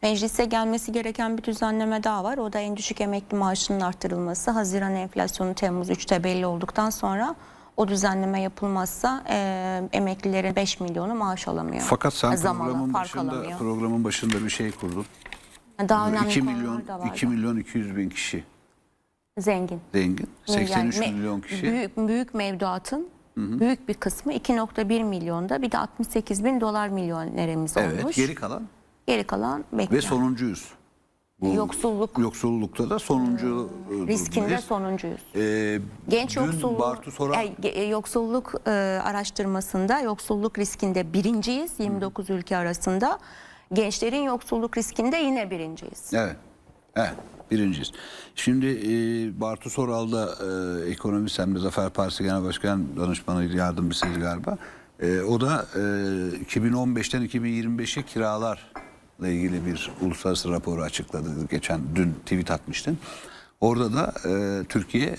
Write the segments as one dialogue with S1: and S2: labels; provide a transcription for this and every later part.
S1: Meclise gelmesi gereken bir düzenleme daha var. O da en düşük emekli maaşının arttırılması. Haziran enflasyonu Temmuz 3'te belli olduktan sonra o düzenleme yapılmazsa emeklilerin 5 milyonu maaş alamıyor.
S2: Fakat sen
S1: alamıyor.
S2: programın başında bir şey kurdun.
S1: Daha önemli
S2: 2
S1: konular
S2: milyon,
S1: da var.
S2: 2 milyon 200 bin kişi
S1: Zengin.
S2: 83 milyon kişi.
S1: Büyük mevduatın büyük bir kısmı 2,1 milyonda, bir de 68 bin dolar milyonerimiz
S2: Evet,
S1: olmuş.
S2: geri kalan
S1: bekliyor.
S2: ve sonuncuyuz. Bu yoksullukta da sonuncu
S1: riskinde
S2: durumdayız.
S1: sonuncuyuz.
S2: Genç
S1: yoksulluk araştırmasında yoksulluk riskinde birinciyiz 29 ülke arasında. Gençlerin yoksulluk riskinde yine birinciyiz.
S2: Evet, birinciyiz. Şimdi Bartu Soral da ekonomist, hem de Zafer Partisi Genel Başkan Danışmanı yardımcısıydı galiba. O da 2015'ten 2025'e kiralarla ilgili bir uluslararası raporu açıkladı. Dün tweet atmıştım. Orada da Türkiye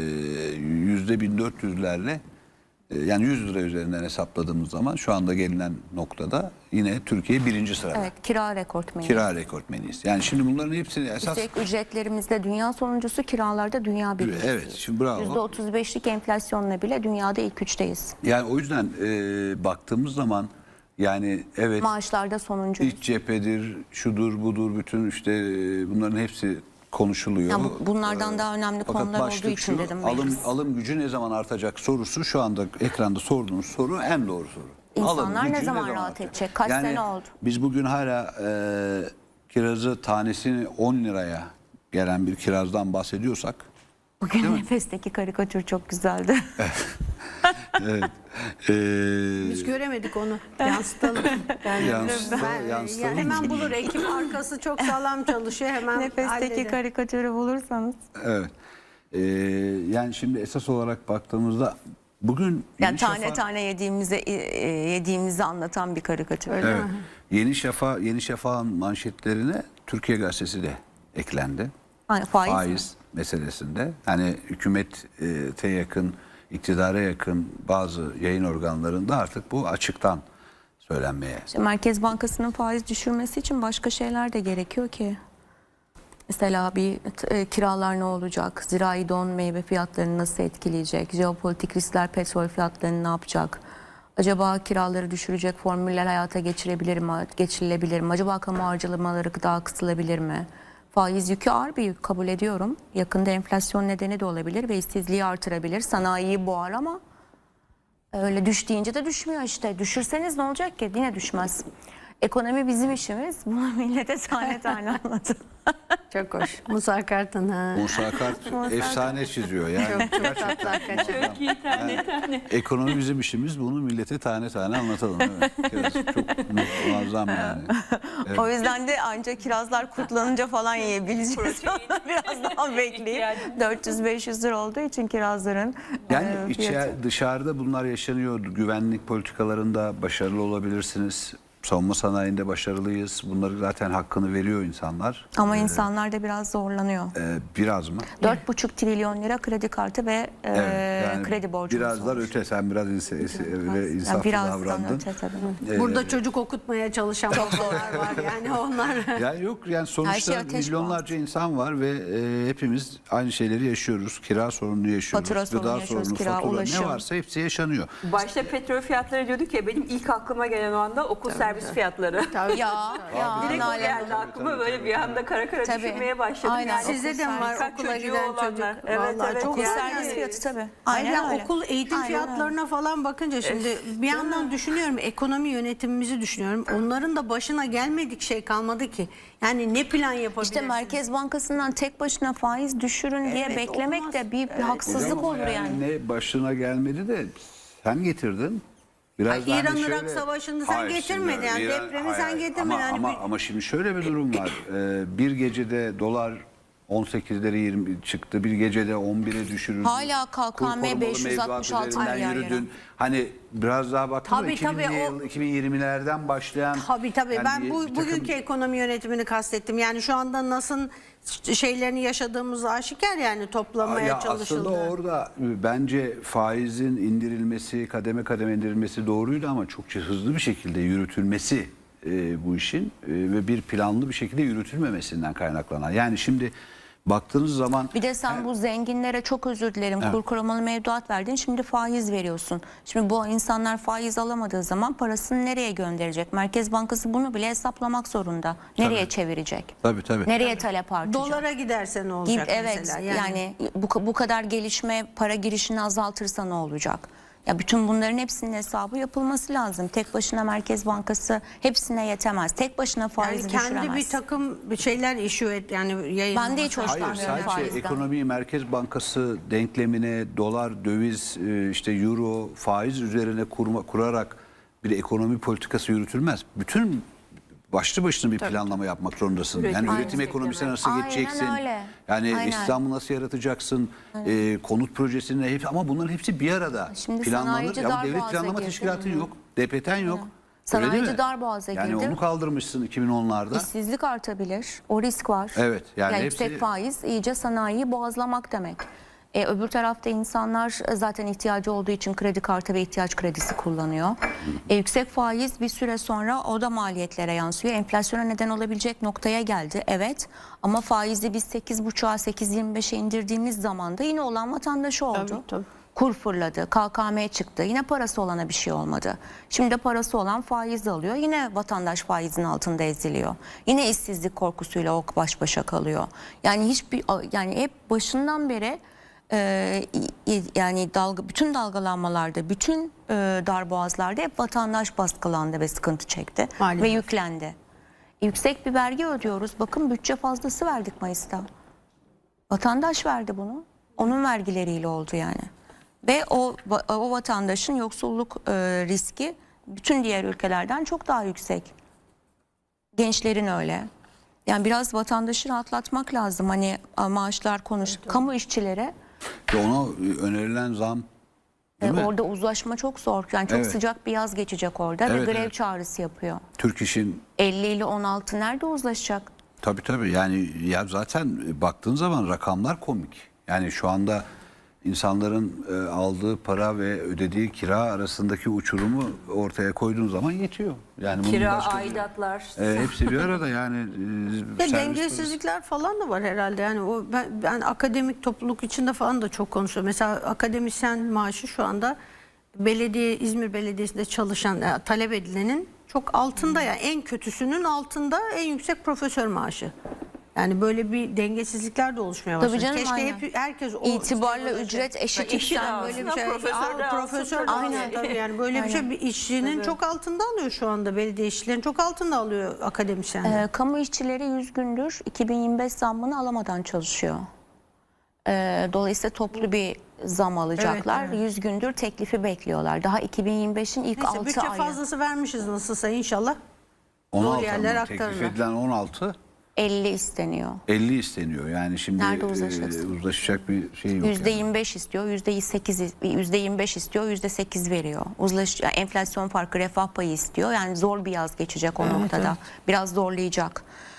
S2: %1400'lerle, yani 100 lira üzerinden hesapladığımız zaman şu anda gelinen noktada yine Türkiye birinci sırada.
S1: Evet, kira rekortmeni.
S2: Kira rekortmeniyiz. Yani şimdi bunların hepsini esas...
S1: Üstelik ücretlerimizde dünya sonuncusu, kiralarda dünya birincisi.
S2: Evet, şimdi bravo.
S1: %35'lik enflasyonla bile dünyada ilk üçteyiz.
S2: Yani o yüzden baktığımız zaman yani evet...
S1: Maaşlarda sonuncuyuz.
S2: İç cephedir, şudur budur, bütün işte bunların hepsi konuşuluyor.
S1: Yani bunlardan daha önemli konular olduğu için dedim.
S2: Alım gücü ne zaman artacak sorusu şu anda ekranda sorduğunuz soru en doğru soru.
S1: İnsanlar ne zaman rahat edecek? Kaç sene oldu?
S2: Biz bugün hala kirazı tanesini 10 liraya gelen bir kirazdan bahsediyorsak.
S1: Bugün Nefes'teki karikatür çok güzeldi.
S2: Evet.
S3: Biz göremedik onu. Yansıtalım.
S2: Yansıtalım.
S3: Hemen bulur. Ekip arkası çok sağlam çalışıyor. Hemen
S1: Nefes'teki
S3: halleder.
S1: karikatürü bulursanız.
S2: Evet. Yani şimdi esas olarak baktığımızda bugün
S1: yani tane yediğimizi anlatan bir karikatür.
S3: Öyle
S2: evet.
S3: mi?
S2: Yeni Şafak'ın manşetlerine Türkiye Gazetesi de eklendi.
S1: Faiz
S2: meselesinde. Hani hükümete yakın, iktidara yakın bazı yayın organlarında artık bu açıktan söylenmeye.
S1: İşte Merkez Bankası'nın faiz düşürmesi için başka şeyler de gerekiyor ki. Mesela kiralar ne olacak? Zirai don meyve fiyatlarını nasıl etkileyecek? Jeopolitik riskler petrol fiyatlarını ne yapacak? Acaba kiraları düşürecek formüller hayata geçirilebilir mi? Acaba kamu harcamaları daha kısılabilir mi? Faiz yükü ağır bir yük, kabul ediyorum. Yakında enflasyon nedeni de olabilir ve işsizliği artırabilir. Sanayiyi boğar ama öyle düş deyince de düşmüyor işte. Düşürseniz ne olacak ki? Yine düşmez. Ekonomi bizim işimiz. Bunu millete tane anlatın.
S3: Çok hoş. Musa Kart'ın.
S2: Musa Kart efsane çiziyor. Yani
S3: çok tatlı hakikaten.
S4: Çok iyi, tane.
S2: Ekonomi bizim işimiz. Bunu millete tane anlatalım. Evet. Çok muazzam yani. Evet.
S1: O yüzden de ancak kirazlar kurtlanınca falan yiyebileceğiz. Biraz daha bekleyip 400-500 lira olduğu için kirazların
S2: Yani
S1: fiyatı.
S2: dışarıda bunlar yaşanıyor. Güvenlik politikalarında başarılı olabilirsiniz. Savunma sanayinde başarılıyız. Bunları zaten hakkını veriyor insanlar.
S1: Ama insanlar da biraz zorlanıyor.
S2: Biraz mı?
S1: 4,5 trilyon lira kredi kartı ve
S2: Yani
S1: kredi borcumuz
S2: birazlar
S1: olmuş.
S2: öte. Sen biraz insaflı davrandın.
S1: Öte tabii.
S3: Burada çocuk okutmaya çalışan babalar var. Yani onlar.
S2: Yani yok, yani
S1: Her
S2: sonuçta
S1: şey ateş
S2: milyonlarca insan var ve hepimiz aynı şeyleri yaşıyoruz. Kira sorununu yaşıyoruz.
S1: Fatura sorunu
S2: Gıda
S1: yaşıyoruz,
S2: sorunu,
S1: kira,
S2: fatura,
S1: ulaşım.
S2: ne varsa hepsi yaşanıyor.
S4: Başta petrol fiyatları diyorduk ya, benim ilk aklıma gelen o anda okul servis fiyatları.
S1: Ya
S4: Direkt o
S1: Nalan
S4: geldi
S1: Hanım.
S4: aklıma, böyle bir anda kara
S1: Tabii.
S4: düşünmeye başladım.
S1: Aynen.
S4: Yani
S3: Sizde de mi var
S4: birkaç
S3: okula
S4: çocuğu
S3: giden
S4: olanlar.
S3: çocuk?
S4: Evet,
S3: Vallahi
S4: evet.
S3: çok
S1: Okul
S4: Yani
S1: servis fiyatı tabii.
S3: Aynen,
S1: Aynen öyle.
S3: okul eğitim
S1: Aynen
S3: fiyatlarına falan bakınca şimdi bir yandan düşünüyorum, ekonomi yönetimimizi düşünüyorum. Onların da başına gelmedik şey kalmadı ki. Yani ne plan yapabilirsiniz?
S1: İşte Merkez Bankası'ndan tek başına faiz düşürün diye
S3: Evet,
S1: beklemek
S3: olmaz.
S1: de bir haksızlık
S2: Hocam,
S1: olur yani.
S2: Ne başına gelmedi de sen getirdin. Biraz da hani
S3: İran-Irak savaşını sen
S2: Hayır,
S3: getirmedin.
S2: şimdi
S3: Yani depremi sen getirmedin.
S2: Ama şimdi şöyle bir durum var. Bir gecede dolar 18'leri 20 çıktı. Bir gecede 11'e düşürüldü.
S1: Hala KKM
S2: Kur korumalı
S1: 566
S2: mevduat üzerinden
S1: milyar
S2: yürüdün. Hani biraz daha baktığında
S3: Tabii,
S2: 2020'lerden başlayan.
S3: Tabii
S2: yani
S3: ben
S2: bir takım-
S3: bugünkü ekonomi yönetimini kastettim. Yani şu anda nasıl şeylerini yaşadığımız aşikar, yani toplamaya
S2: Ya
S3: çalışıldı.
S2: aslında orada bence faizin indirilmesi, kademe kademe indirilmesi doğruydu ama çok hızlı bir şekilde yürütülmesi bu işin ve bir planlı bir şekilde yürütülmemesinden kaynaklanan. Yani şimdi baktığınız zaman
S1: Bir de sen bu zenginlere çok özür dilerim kur korumalı mevduat verdin, şimdi faiz veriyorsun. Şimdi bu insanlar faiz alamadığı zaman parasını nereye gönderecek? Merkez Bankası bunu bile hesaplamak zorunda. Nereye çevirecek?
S2: tabii.
S1: Nereye talep artacak?
S3: Dolara giderse ne olacak
S1: Evet,
S3: mesela?
S1: yani bu kadar gelişme para girişini azaltırsa ne olacak? Ya bütün bunların hepsinin hesabı yapılması lazım. Tek başına Merkez Bankası hepsine yetemez. Tek başına faizi
S3: Yani kendi
S1: düşüremez.
S3: bir takım şeyler issue et yani yayınlaması.
S1: Ben de hiç
S2: hayır,
S1: hoşlanmıyorum
S2: sadece
S1: faizden.
S2: ekonomiyi Merkez Bankası denklemine dolar, döviz, işte euro, faiz üzerine kurarak bir ekonomi politikası yürütülmez. Bütün başlı başına bir planlama yapmak zorundasın. Yani üretim ekonomisine nasıl
S1: Aynen
S2: geçeceksin?
S1: öyle.
S2: Yani
S1: Aynen.
S2: İslam'ı nasıl yaratacaksın? Konut projesini hepsi, ama bunların hepsi bir arada
S1: Şimdi
S2: planlanır.
S1: sanayici
S2: Ya devlet
S1: darboğaza
S2: planlama
S1: girdi.
S2: teşkilatı yok. DPT'n yok. Öyle
S1: Sanayici
S2: değil mi?
S1: darboğaza
S2: Yani
S1: girdi.
S2: onu kaldırmışsın 2010'larda.
S1: İşsizlik artabilir. O risk var.
S2: Evet, yani
S1: yüksek
S2: hepsi-
S1: faiz iyice sanayiyi boğazlamak demek. Öbür tarafta insanlar zaten ihtiyacı olduğu için kredi kartı ve ihtiyaç kredisi kullanıyor. Yüksek faiz bir süre sonra o da maliyetlere yansıyor. Enflasyona neden olabilecek noktaya geldi. Evet, ama faizi biz 8,5'a 8,25'e indirdiğimiz zaman da yine olan vatandaşı oldu.
S3: Tabii.
S1: Kur fırladı, KKM çıktı. Yine parası olana bir şey olmadı. Şimdi de parası olan faiz alıyor. Yine vatandaş faizin altında eziliyor. Yine işsizlik korkusuyla o baş başa kalıyor. Yani hep başından beri yani bütün dalgalanmalarda, bütün darboğazlarda hep vatandaş baskılandı ve sıkıntı çekti
S3: Maalesef.
S1: ve yüklendi. Yüksek bir vergi ödüyoruz. Bakın bütçe fazlası verdik Mayıs'ta. Vatandaş verdi bunu. Onun vergileriyle oldu yani. Ve o vatandaşın yoksulluk riski bütün diğer ülkelerden çok daha yüksek. Gençlerin öyle. Yani biraz vatandaşı rahatlatmak lazım. Hani maaşlar kamu işçilere
S2: Ve ona önerilen zam, değil mi?
S1: orada uzlaşma çok zor. Yani çok
S2: Evet.
S1: sıcak bir yaz geçecek orada
S2: Evet,
S1: ve grev
S2: evet.
S1: çağrısı yapıyor.
S2: Türk İş'in
S1: 50 ile 16 nerede uzlaşacak?
S2: tabii yani ya zaten baktığın zaman rakamlar komik. Yani şu anda insanların aldığı para ve ödediği kira arasındaki uçurumu ortaya koyduğun zaman yetiyor. Yani bunun
S4: Kira,
S2: başka-
S4: aidatlar.
S2: hepsi bir arada yani.
S3: Ve
S2: servis
S3: dengesizlikler falan da var herhalde. Yani o ben akademik topluluk içinde falan da çok konuşuyorum. Mesela akademisyen maaşı şu anda İzmir Belediyesi'nde çalışan talep edilenin çok altında, yani en kötüsünün altında en yüksek profesör maaşı. Yani böyle bir dengesizlikler de oluşmaya başladı.
S1: Tabii canım,
S3: Keşke
S1: aynen.
S3: herkes o
S1: İtibarla
S3: işte
S1: ücret eşit
S4: Eşit
S1: sen
S4: alsın.
S3: böyle bir şey.
S4: Profesör de alsın,
S3: Profesör de
S4: tabii.
S3: aynen tabii, yani böyle bir şey bir işçinin çok altında alıyor şu anda, belediye işçilerin çok altında alıyor akademisyenler.
S1: Kamu işçileri 100 gündür 2025 zammını alamadan çalışıyor. Dolayısıyla toplu bir zam alacaklar.
S3: Evet, evet.
S1: 100 gündür teklifi bekliyorlar. Daha 2025'in ilk
S3: Neyse
S1: 6
S3: bütçe
S1: ayı.
S3: fazlası vermişiz nasılsa inşallah.
S2: 16
S3: yerler
S2: ama
S3: aktarırlar.
S2: teklif edilen 16,
S1: 50 isteniyor.
S2: 50 isteniyor. Yani şimdi
S1: Nerede uzlaşacaksın?
S2: uzlaşacak bir şey yok. yani.
S1: %25 istiyor, %25 istiyor, %8 veriyor. Yani enflasyon farkı, refah payı istiyor. Yani zor bir yaz geçecek o noktada. Biraz zorlayacak.